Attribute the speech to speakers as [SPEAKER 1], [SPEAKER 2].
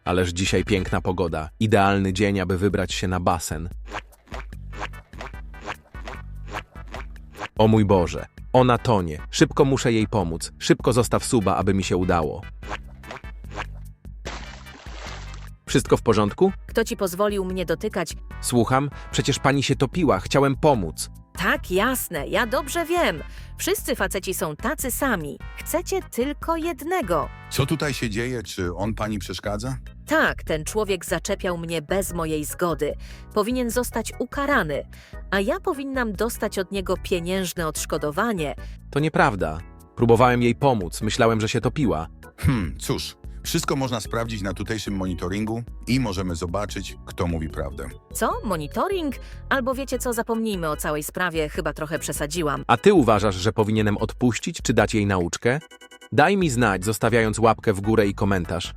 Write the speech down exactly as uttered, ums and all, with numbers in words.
[SPEAKER 1] Ależ dzisiaj piękna pogoda. Idealny dzień, aby wybrać się na basen. O mój Boże, ona tonie. Szybko muszę jej pomóc. Szybko zostaw suba, aby mi się udało. Wszystko w porządku?
[SPEAKER 2] Kto ci pozwolił mnie dotykać?
[SPEAKER 1] Słucham, przecież pani się topiła. Chciałem pomóc.
[SPEAKER 2] Tak, jasne, ja dobrze wiem. Wszyscy faceci są tacy sami. Chcecie tylko jednego.
[SPEAKER 3] Co tutaj się dzieje? Czy on pani przeszkadza?
[SPEAKER 2] Tak, ten człowiek zaczepiał mnie bez mojej zgody. Powinien zostać ukarany, a ja powinnam dostać od niego pieniężne odszkodowanie.
[SPEAKER 1] To nieprawda. Próbowałem jej pomóc. Myślałem, że się topiła.
[SPEAKER 3] Hmm, cóż, wszystko można sprawdzić na tutejszym monitoringu i możemy zobaczyć, kto mówi prawdę.
[SPEAKER 2] Co? Monitoring? Albo wiecie co, zapomnijmy o całej sprawie, chyba trochę przesadziłam.
[SPEAKER 1] A ty uważasz, że powinienem odpuścić, czy dać jej nauczkę? Daj mi znać, zostawiając łapkę w górę i komentarz.